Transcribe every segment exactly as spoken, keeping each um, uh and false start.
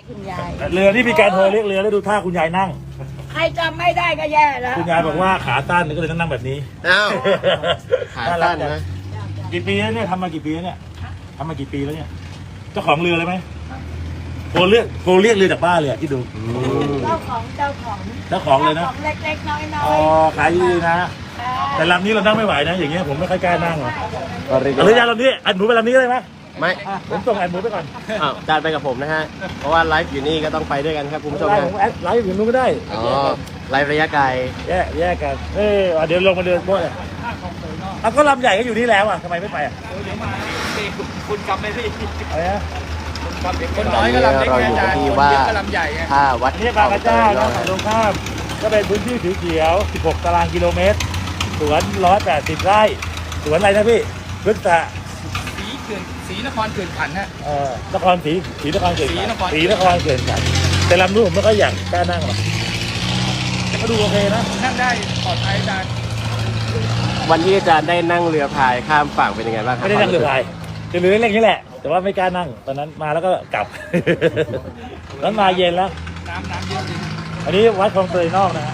คุณยายเรือนี่มีการโทรเรียกเรือแล้วดูท่าคุณยายนั่งใครจำไม่ได้ก็แย่แล้วคุณยายบอกว่าขาตั้นก็เลยต้องนั่งแบบนี้อ้าวขาสั้นนะกี่ปีแล้วเนี่ยทำมากี่ปีแล้วเนี่ยทำมากี่ปีแล้วเนี่ยเจ้าของเรือเลยไหมโทรเรียกโทรเรียกเรือจากบ้านเลยที่ดูเจ้าของเจ้าของเจ้าของเลยนะจ้าของเล็กๆน้อยอ๋อขายดีนะแต่ลำนี้เรานั่งไม่ไหวนะอย่างเงี้ยผมไม่ค่อยกล้านั่งหรอกก็เรียกเอาเรือยาวลำนี้อัดหมูไปลำนี้ได้ไหมไม่ผมส่งอัดหมูไปก่อนอ้าวจานไปกับผมนะฮะ เพราะว่าไลฟ์อยู่นี่ก็ต้องไปด้วยกันครับคุณผู้ชมไลนะฟ์ผมแอดไลฟ์อยู่นู้นก็ได้อ๋อ ไลฟ์ระยะไกลแยกแยกกันเออเดี๋ยวลงมาเดินโบ๊ทเลยเอาก็ลำใหญ่ก็อยู่นี่แล้วอ่ะทำไมไม่ไปอ่ะเดี๋ยวมาคุณกลับไปพี่อะไรนะคนน้อยก็ลำเล็กเราไงอยู่อาจารย์ที่คนว่าเยอะก็ลำใหญ่ไงท่าวัดอันนี้บางกระเจ้านะฝั่งตรงข้ามก็เป็นพื้นที่สีเขียว สิบหก ตารางกิโลเมตร สวน หนึ่งร้อยแปดสิบ ไร่ สวนอะไรนะพี่พฤกษะสีเขื่อนสีนครเขื่อนขันฮะเอ่อนครศรีศรีนครเกิดศรีนครศรีนครเกิดกันแต่ลำนู้นผมไม่ค่อยอยากกล้านั่งหรอกแต่ก็ดูโอเคนะนั่งได้ปลอดภัยอาจารย์วันที่อาจารย์ได้นั่งเรือพายข้ามฝั่งเป็นยังไงบ้างครับไม่ได้นั่งเรือพายเรือเล็กๆนี่แหละ แต่ว่าไม่กล้านั่ง ตอนนั้นมาแล้วก็กลับ แล้วมาเย็นแล้วน้ำน้ำเยอะจริงอันนี้วัดคลองเตยนอกนะฮะ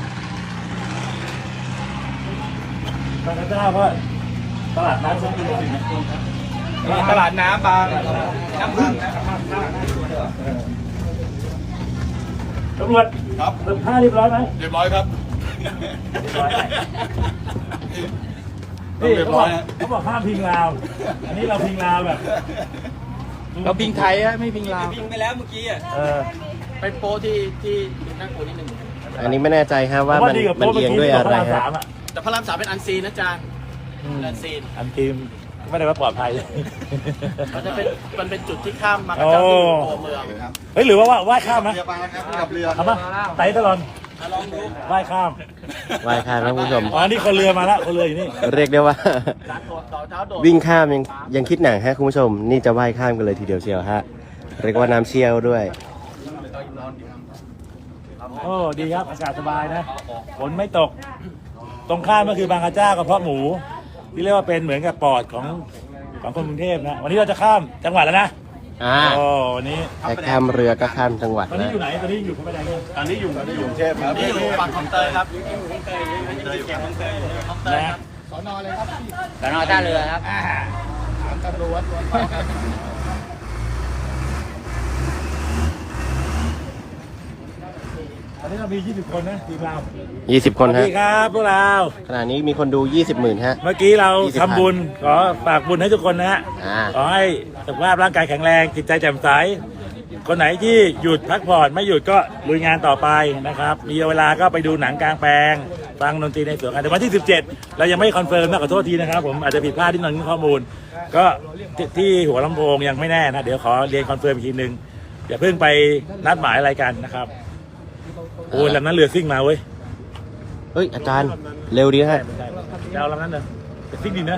บางกระเจ้าก็ตลาดนัดสุขุมวิทนะตลาดน้ำบางน้ำพึ่งนะตำรวจครับเติมผ้าเรียบร้อยไหมเรียบร้อยครับเรียบร้อยนี่เขาบอกเขาบอกห้ามพิงลาว อันนี้เราพิงลาวแบบเราพิงไทยอะไม่พิงลาวพิงไปแล้วเมื่อกี้อะเออไปโปรที่ที่น่ากลัวนิดนึงอันนี้ไม่แน่ใจฮะว่าเพราะมันดีกับมันโป๊ะเอียงด้วยอะไรเมื่กี้ที่บกพรามฮะสามอ่ะแต่พระรามสามเป็นอันซีนนะอาจารย์อันซีนอันทีมไม่ได้ว่าปลอดภัยมันจะเป็นมันเป็นจุดที่ข้ามมากระจับที่ตัวเมืองครับเฮ้ยหรือว่าว่าว่ายข้ามนะเรือปลาครับกับเรือเอาปะไต่ตลอดลองดูว่ายข้ามว่ายข้ามนะคุณผู้ชมอ๋อนี่คนเรือมาแล้วคนเรืออยู่นี่เรียกได้ว่าการโดดต่อเท้าโดดวิ่งข้ามยังยังคิดหนักฮะคุณผู้ชม นี่จะว่ายข้ามกันเลยทีเดียวเชียวฮะ เรียกว่าน้ำเชี่ยวด้วยโอ้ดีครับอากาศสบายนะฝนไม่ตก ตรงข้ามก็คือบางกระเจ้ากระเพาะหมู ที่เรียกว่าเป็นเหมือนกับปอดของของคนกรุงเทพนะวันนี้เราจะข้ามจังหวัดแล้วนะอ่าโอ้วันนี้แค่ข้ามเรือก็ข้ามจังหวัดตอนนี้นะอยู่ไหนตอนนี้อยู่พระประแดงเนี่ยตอนนี้อยู่ตอนนี้อยู่กรุงเทพครับนี่อยู่ฝั่งคลองเตยครับคลองเตยอยู่เก็บคลองเตยคลองเตยครับสอนอเลยครับสอนอท่าเรือครับอ่าถามตำรวจตรวจสอบครับตอนนี้เรามียี่สิบคนนะทีมเรายี่สิบสคนวัสฮะดีครับพวกเราขณะนี้มีคนดูยี่สิบหมื่นฮะเมื่อกี้เรายี่สิบทำบุญขอฝากบุญให้ทุกคนนะฮะอ่าขอให้สุขภาพร่างกายแข็งแรงจิตใจแจ่มใสคนไหนที่หยุดพักผ่อนไม่หยุดก็ลุยงานต่อไปนะครับ มีเวลาก็ไปดูหนังกลางแปลงฟังดนตรีในสวนกันแต่วันที่สิบเจ็ดเรายังไม่คอนเฟิร์มนะขอโทษทีนะครับผมอาจจะผิดพลาดที่หน่อยข้อมูล ก็ที่ที่หัวลำโพงยังไม่แน่นะเดี๋ยวขอเรียนคอนเฟิร์มอีกทีนึงอย่าเพิ่งไปนัดหมายอะไรกันนะครับโอ้ยลำนั้นเรือซิ่งมาเว้ยเฮ้ย อาจารย์เร็วดีฮะจะเอาลำนั้นเหรอจะซิ่งดีนะ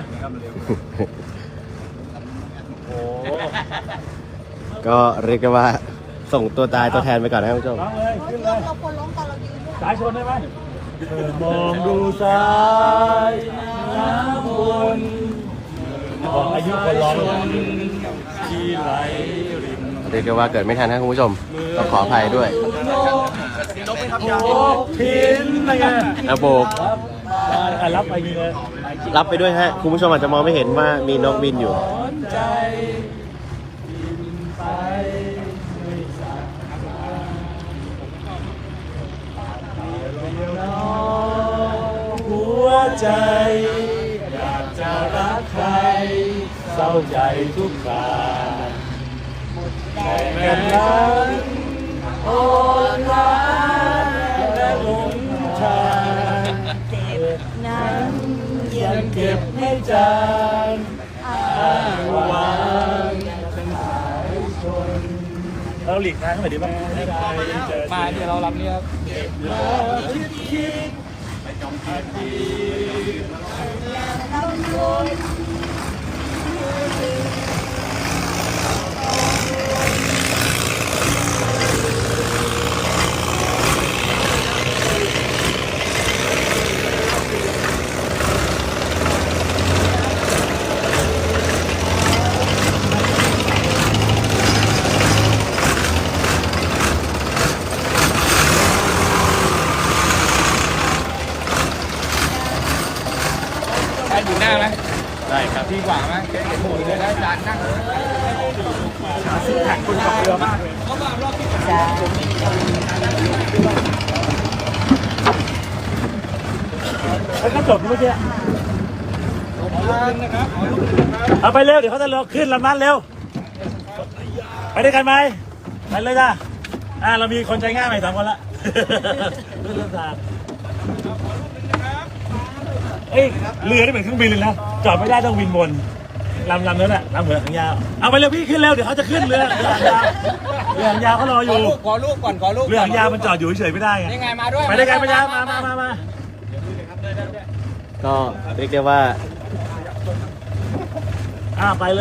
โอ้ก็เรียกได้ว่าส่งตัวตายตัวแทนไปก่อนนะครับคุณผู้ชมร้องเลยขึ้นเลยเราควรล้มตอนเรายืนด้วยสายชนได้ไหมเออมองดูซ้ายน้ำวนของอายุคนร้องที่ไหลริมเรียกได้ว่าเกิดไม่ทันนะคุณผู้ชมต้องขออภัยด้วยโอ้พินอะไรเงี้ยอาโบกครับอ่ะรับไปนี่เลยรับไปด้วยฮะ คุณผู้ชมอาจจะมองไม่เห็นว่ามีนกบินอยู่สนใจบินไปไม่สายหัวใจอยากจะรักใครเศร้าใจทุกคราแต่แม่นั้นอ่อนล้าและหลงทางเจ็บนั้นยังเก็บให้จางอ้างวางทั้งสายชนเราหลีกทางหน่อยดีป่ะไม่ได้เจอมาเดี๋ยวเรารับเนี่ยครับมาคิดคิดไปจองคิดคิดดีกว่าไหมเห็นหมูเลยแล้วจานนั่งแข่งคนขับเรือมากเลยแล้วก็จบเมื่อกี้เอาไปเร็วเดี๋ยวเขาจะลงขึ้นลำนั้นเร็วไปด้วยกันไหมไปเลยจ้าอ่าเรามีคนใจง่ายใหม่สองคนละเรื่องทางเอ้ยเรือนี่เหมือนเครื่องบินเลยนะจอดไม่ได้ต้องบินบนลำลำนั้นแหละลำเหมือนหางยาวเอาไปเร็วพี่ขึ้นเร็วเดี๋ยวเขาจะขึ้นเรือเรือหางยาวเรือหางยาวเขารออยู่ขอลูกก่อนขอลูกเรือหางยาวมันจอดอยู่เฉยๆไม่ได้ไงยังไงมาด้วยไปด้วยกันไปยาวมามามามาก็เรียกได้ว่าอ่าไปเลย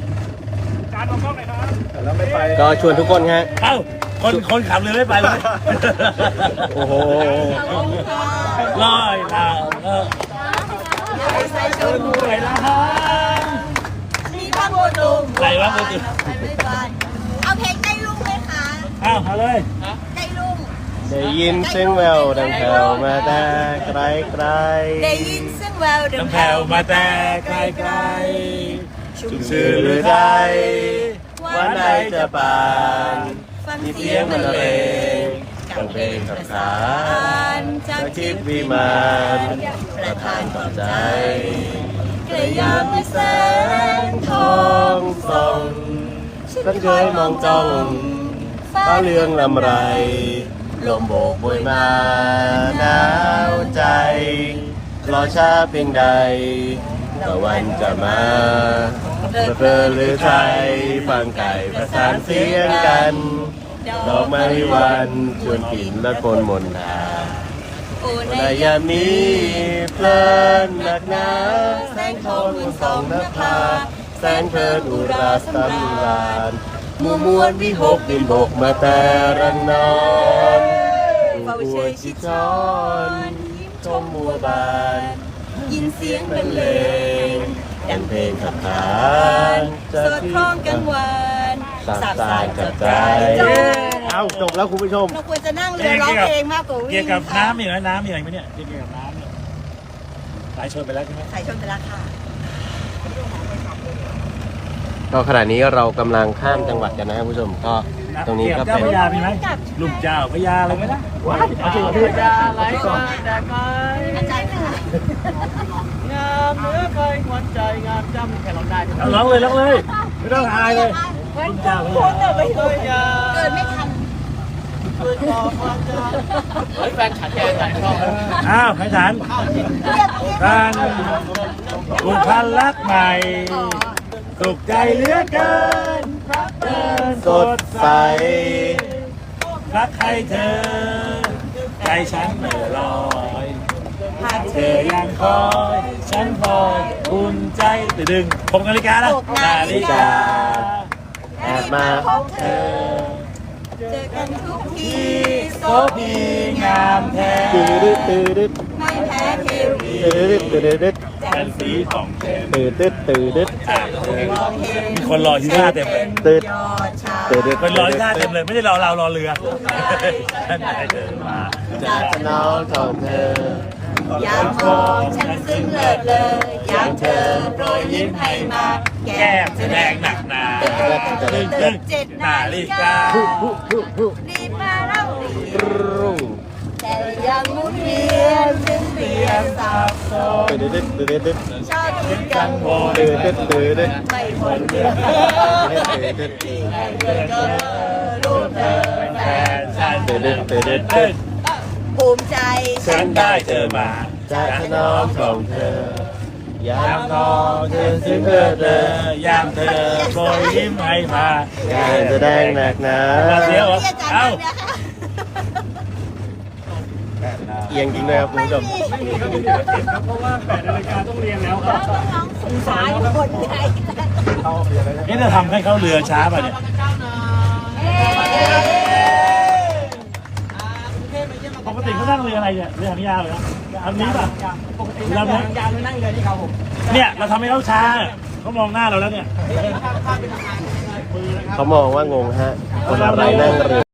ก็ชวนทุกคนฮะเอ้าคนคนขับเรือไม่ไปเลยโอ้โหลอยลาเออใส่ชุดหวยละฮะมีบ้างโบดุมใส่บ้างโบดุมเอาเพลงใจลุงไหมคะอ้าวเอาเลยใจลุงได้ยินเสียงแววดังแผ่วมาแต่ไกลไกลได้ยินเสียงแววดัน้ำงแผ่วมาแต่ไกลไกลชุ่มชื่นหรือไทยวันใดจะปานฟังมีเสีเสียยงงบบรรรรเลเลงงกับเพลงขับขานจากจากทิทิพพย์ย์วิวิมามาน นปประ ระทาทาน นปปลลออบบ ใจใจกระยามแสงททออง งส่องฉันเคยมองจ้องฟ้าเรืองลำไร ลมโบกบวยมาหนาวใจรอช้าเพียงใดตะวันจะมาเพลินหรือไทยฟังไก่ประสานเสียงกัน ดอกไม้วันชวนกลิ่นและคนมนทาโอ้ในยามนี้เพลินหนักหนาแสงทองมือสองนภาแสงเพลินอุราสำราญมัวมวนวิหกบินบกมาแต่รังนอนผู้ป่วยชิดช้อนชมมัวบานยินเสียงบรรเลงดังเพลงขับขานจะสดคล้องกังวานสาบสานกับใจเอาจบแล้วคุณผู้ชมเราควรจะนั่งเรือร้องเพลงมากกว่าวิ่งเกี่ยวกับค่ะน้ำมีไหมน้ำมีอะไรไหมเนี่ยเกี่ยวกับน้ำเนี่ยสายชนไปแล้วใช่ไหมสายชนไปแล้วค่ะก็ขณะนี้เรากำลังข้ามจังหวัดกันนะครับคุณผู้ชมก็ตรงนี้ก็เจ้าเป็นพญามีไหมลูกเจ้าพญาอะไรไหมนะว้ายเอาจริงเหรอพี่อาจารย์ค่ะงามเหนือใครขวัญใจงามจำแค่เราได้เอาร้องเลยร้องเลยไม่ต้องอายเลยลูกเจ้าพพูญาดแต่ไม่ถูกเกิดไม่ทันเฮ้ยแฟนฉันแกใส่ชอบอ้าวไผ่ฐานเรียกเรียกการผูกพันรักใหม่สุขใจเหลือเกินเดินสดใสรักใครเธอ ใจฉันเมื่อลอยหากเธเธออยังคอย ฉันคอยอุ่นใจตื่นดึงหกนาฬิกาแล้วหกนาฬิกาแอบมาพบเธอ เจอกันทุกทีโสพีงามแท้ตื่นดึดตื่นดึดไม่แพ้เทวีตื่นดึดตื่นดึดเป็นสีของเทนตื่นดึดตื่นดึดมีคนรอที่หน้าเต็มเลยตื่นยอดชาตื่นดึดคนรอที่หน้าเต็มเลยไม่ได้รอเรารอเรือฉันไหนเดินมาจากน้องของเธอยามของฉันซึ้งเลิศเลยยามเธอโปรยยิ้มให้มาแก้มแสดงหนักหนาตึ้งตึ้งเจ็ดนานาฬิฬิกาการีบมาเล่ารีบรุ่งแต่ยังหมุนเวียนถึงเรียนสับสนตื่นดึดตื่นดึดชอบคิดกังวลตื่นดึดตื่นดึดไม่พ้นเรื่องตื่นดึดที่ให้เกิดเกิดรูปเธอแฟนฉันตื่นดึดตื่นดึดเอ้ยภูมิใจฉันได้เจอมาจากน้องของเธอยายาม มน้น้ออง งเธเธออซึ้ซึ้งงเลิเลิศศเลเลย ยยามเธอโปรยยิ้มให้มาการแสดงหนักหนาเดี๋ยวเรียกอาจารย์เอ้าเลยนะคะเอียงจริงเลยครับคุณผู้ชมเพราะว่าแปดนาฬิกาต้องเรียนแล้วครับน้องสงสารคนไทยเอ๊ะจะทำให้เขาเรือช้าป่ะเนี่ยปกติเขานั่งเรืออะไรเนี่ยเรือหางยาวเลยนะอันนี้ป่ะปกติเราเนี่ยยาวเลยนั่งเรือที่เขาผมเนี่ยเราทำให้เขาช้าเขามองหน้าเราแล้วเนี่ยเขามองว่างงฮะ คนอะไรนั่งเรือ